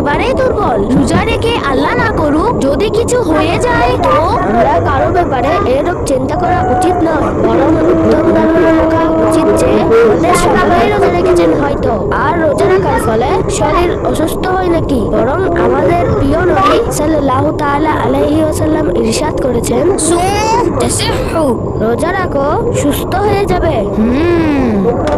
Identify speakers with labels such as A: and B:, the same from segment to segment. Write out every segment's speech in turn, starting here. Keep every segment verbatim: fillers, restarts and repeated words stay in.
A: একেবারেই দুর্বল। রোজা রেখে আল্লাহ না করুক যদি কিছু হয়ে যায় তো?
B: আমরা কারো ব্যাপারে এরূপ চিন্তা করা উচিত নয়, বরং উত্তম ধারণা রাখা উচিত যে আমাদের সকলেই রোজা রেখেছেন হয়তো, আর রোজা রাখার ফলে শরীর অসুস্থ হয় নাকি। বরং আমাদের প্রিয় নবী সাল্লাল্লাহু তাআলা আলাইহি ওয়াসাল্লাম ইরশাদ করেছেন,
A: সুম তাসিহু।
B: রোজা রাখো সুস্থ হয়ে যাবে।
A: হুম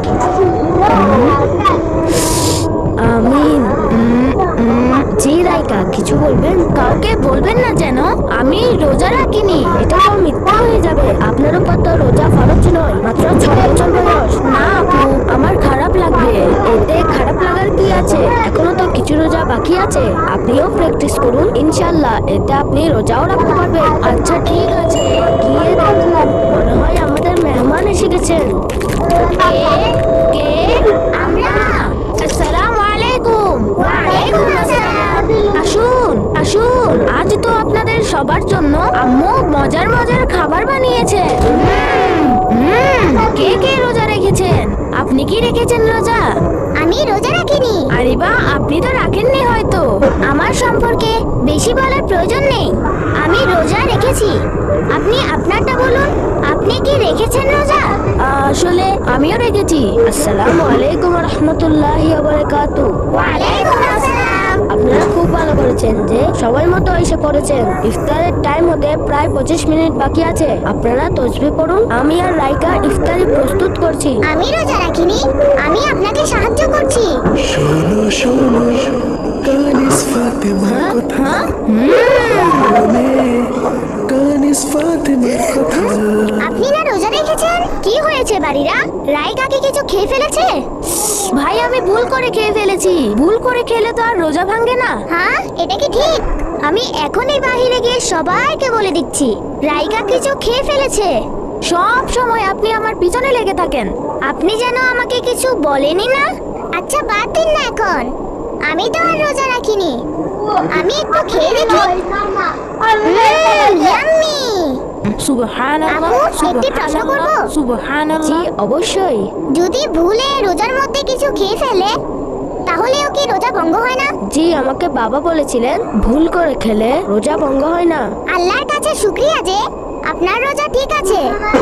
B: আমিন। জি রাইকা, কিছু বলবেন?
A: কাউকে বলবেন না যেন আমি রোজা রাখিনি।
B: এটা তো মিথ্যা হয়ে যাবে। আপনার উপর তো রোজা ফরজ নয়, মাত্র ছয় বছর বয়স।
A: না আপু, আমার খারাপ লাগবে।
B: এতে খারাপ লাগার কি আছে? এখনো তো কিছু রোজা বাকি আছে। আপনিও প্র্যাকটিস করুন, ইনশাআল্লাহ এতে আপনি রোজাও রাখতে পারবেন।
A: আচ্ছা ঠিক আছে।
B: গিয়ে দেখলাম মনে হয় আমাদের মেহমান এসে গেছেন।
A: কে কে? আমরা। আসসালামু আলাইকুম। ওয়ালাইকুম আসসালাম। আসুন আসুন, আজ তো আপনাদের সবার জন্য আম্মু মজার মজার খাবার বানিয়েছে। হুম, হুম, কে কে রোজা রেখেছেন? আপনি কি রেখেছেন রোজা?
C: আমি রোজা রাখিনি।
A: আরে বাহ, আপনি তো রাখেননি হয়তো।
C: আমার সম্পর্কে বেশি বলার প্রয়োজন নেই। আমি রোজা রেখেছি। আপনি আপনারটা বলুন, আপনি কি রেখেছেন রোজা?
A: আসলে আমিও রেখেছি।
B: আসসালামু আলাইকুম রহমতুল্লাহি ওয়া বারাকাতুহু।
C: ওয়ালাইকুম আসসালাম।
B: আপনারা খুব ভালো করেছেন যে সময় মতো এসে পড়েছেন। ইফতারের টাইম হতে প্রায় পঁচিশ মিনিট বাকি আছে। আপনারা তসবিহ পড়ুন, আমি আর রাইকা ইফতারি প্রস্তুত করছি।
C: আমি রোজা রাখিনি, আমি আপনাকে সাহায্য করছি।
D: শোনো শোনো কানিস ফাতেমার কথা, কানিস ফাতেমার কথা।
C: আপনি না রোজা রেখেছেন? কি হয়েছে বাড়িরা? রাইকাকে কিছু খেয়ে ফেলেছে?
A: ভাই আমি ভুল করে খেয়ে ফেলেছি। ভুল করে খেলে তো আর রোজা ভাঙে না।
C: হ্যাঁ, এটা কি ঠিক? আমি এখনই বাহিরে গিয়ে সবাইকে বলে দিচ্ছি রাইকা কিছু খেয়ে ফেলেছে।
A: সব সময় আপনি আমার পিছনে লেগে থাকেন।
C: আপনি যেন আমাকে কিছু বলেনি না। আচ্ছা বাদ দিন না এখন, আমি তো আর রোজা রাখিনি। আমি একটু খেয়ে দেখি। ইয়াম্মি।
A: সুবহানাল্লাহ,
C: আপু, একটি প্রশ্ন করব?
B: জি
A: সুবহানাল্লাহ।
B: অবশ্যই।
C: যদি ভুলে রোজার মধ্যে কিছু খেয়ে ফেলে তাহলেও কি রোজা ভঙ্গ হয় না?
B: জি, আমাকে বাবা বলেছিলেন ভুল করে খেলে রোজা ভঙ্গ হয় না।
C: আল্লাহর কাছে শুকরিয়া যে আপনার রোজা ঠিক আছে।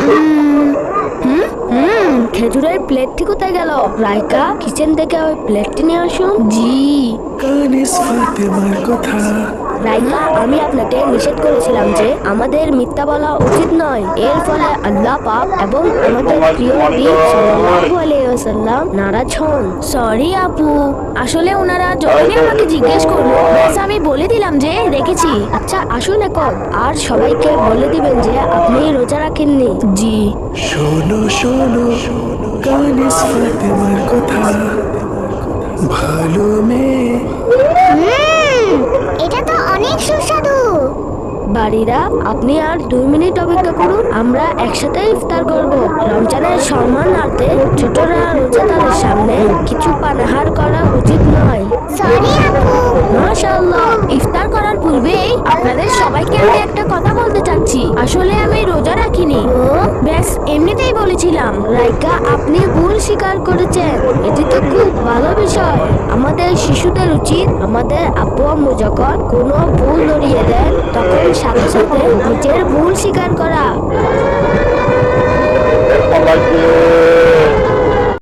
B: হুম খেজুরের প্লেটটি কোথায় গেল? রাইকা, কিচেন থেকে ওই প্লেটটি নিয়ে আসুন।
A: জি।
D: কানিস ফাতেমার কথা।
B: রাইকা, আমি আপনাকে নিষেধ করেছিলাম যে আমাদের মিথ্যা বলা উচিত নয়। এর ফলে আল্লাহ পাক এবং আমাদের প্রিয় নবী সাল্লাল্লাহু আলাইহি ওয়াসাল্লাম নারাজ হন।
A: সরি আপু, আসলে ওনারা যখনই আমাকে জিজ্ঞেস করলো ব্যাস আমি বলে দিলাম যে রেখেছি।
B: আচ্ছা আসুন এখন, আর সবাইকে বলে দিবেন যে আপনি রোজা রাখেননি।
A: জি।
D: শোনো শোনো কানিস ফাতেমার কথা, ভালো মেয়ে।
C: হুম, এটা তো অনেক সুস্বাদু।
B: বাড়িরা, আপনি আর দুই মিনিট অপেক্ষা করুন, আমরা একসাথে ইফতার করব। রমজানের সম্মানার্থে ছোটরা রোজাদারের সামনে কিছু পানাহার করা উচিত নয়।
C: সরি আপু।
B: মাশাআল্লাহ।
A: ইফতার করার পূর্বেই আপনাদের সবাইকে আমি একটা কথা বলতে চাচ্ছি। আসলে আমি রোজা রাখিনি, ব্যাস এমনিতেই বলেছিলাম।
B: রাইকা, আপনি ভুল স্বীকার করেছেন, এটি তো খুব ভালো বিষয়। আমাদের শিশুদের উচিত আমাদের আব্বু আম্মু যখন কোনো ভুল ধরিয়ে দেন তখন সাথে সাথে নিজের ভুল স্বীকার করা।